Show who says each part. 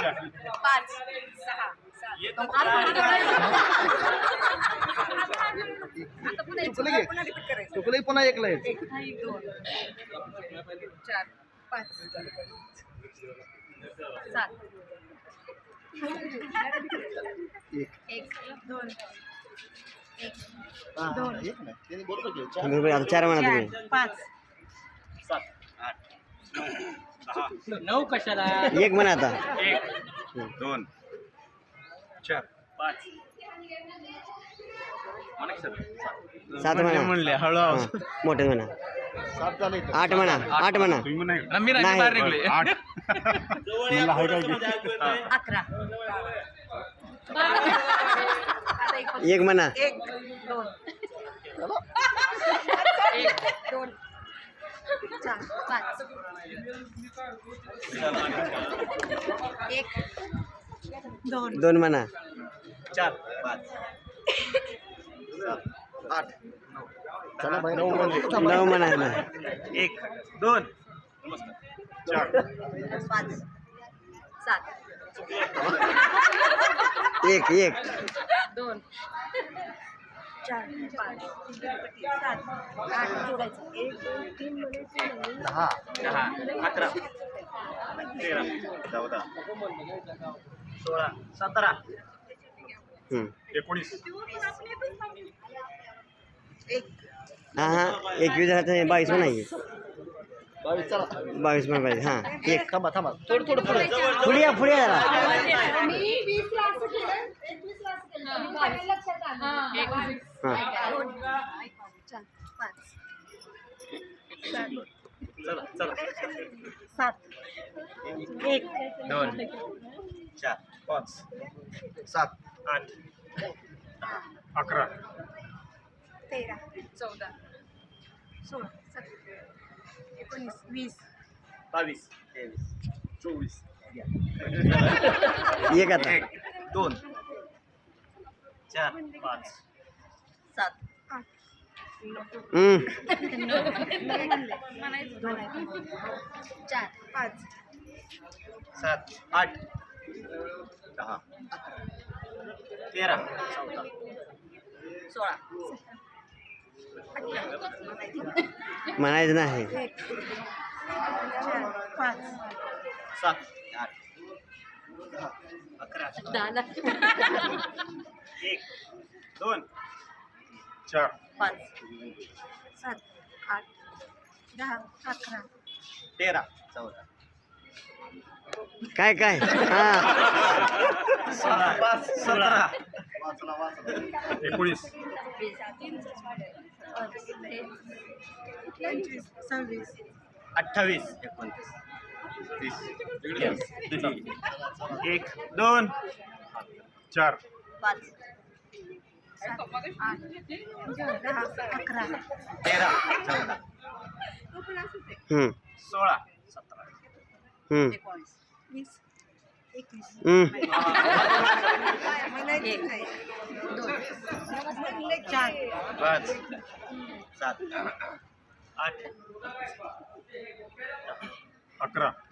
Speaker 1: 5 6
Speaker 2: चुकलं पुन्हा एकला आहे.
Speaker 1: 1 2 4 5 7 1 2 1 2
Speaker 3: बरोबर आता 4 म्हणा तुम्ही.
Speaker 1: 5
Speaker 4: 9 कशाला?
Speaker 3: 1 म्हणा आता.
Speaker 2: 1 2 4 5
Speaker 3: 7 म्हणा.
Speaker 2: म्हणले हळूहळू.
Speaker 3: हां, मोठे म्हणा. 8 म्हणा. 8 म्हणा.
Speaker 2: तुम्ही नाही
Speaker 4: रम्मी
Speaker 3: नाही.
Speaker 4: बाहेर निघले.
Speaker 2: 8
Speaker 1: 11
Speaker 3: 1 म्हणा.
Speaker 1: 1 2 1 2 4 5 1 2
Speaker 3: 2 म्हणा.
Speaker 2: 4 5 8
Speaker 3: 9 म्हणा.
Speaker 2: 1 2 4
Speaker 1: 5 7
Speaker 3: 1
Speaker 1: 2 4 5 7 8 जोडायचं 1 2 3
Speaker 2: 10 11 13 14 16 17
Speaker 3: हं.
Speaker 2: 19
Speaker 1: 1
Speaker 3: हां हां 21 झालं 22 म्हणायचे. 22 म्हणा पाहिजे. हां 1
Speaker 2: थांबा थोडं पुढे
Speaker 3: पुढे या जरा.
Speaker 5: मी 20 ला असं केलं 21 ला असं केलं मी माझ्या लक्षात आलं
Speaker 3: हां
Speaker 1: 2 4 5
Speaker 2: चला
Speaker 1: 7 1
Speaker 2: 2 4 5 7 8 11
Speaker 1: 13 14 16 17 19 20
Speaker 2: 22 23 24
Speaker 3: 1 आता.
Speaker 2: 1 2 4 5
Speaker 1: 7 8
Speaker 3: हं.
Speaker 1: 4 5
Speaker 2: 7 8 10 13 14
Speaker 1: 16
Speaker 3: म्हणायचं नाही.
Speaker 1: 1 4 5
Speaker 2: 7 8 11 1 2 4
Speaker 1: 5 7 8 10 11
Speaker 2: 13 14
Speaker 3: काय हां
Speaker 2: 16 19
Speaker 1: 26
Speaker 2: 28 29 30 1 2 4
Speaker 1: 5 7 8 10 11
Speaker 2: 13 14
Speaker 3: हं
Speaker 2: 16 17
Speaker 3: हं
Speaker 1: 19 21
Speaker 3: हं
Speaker 1: 4
Speaker 2: 5 7 8 11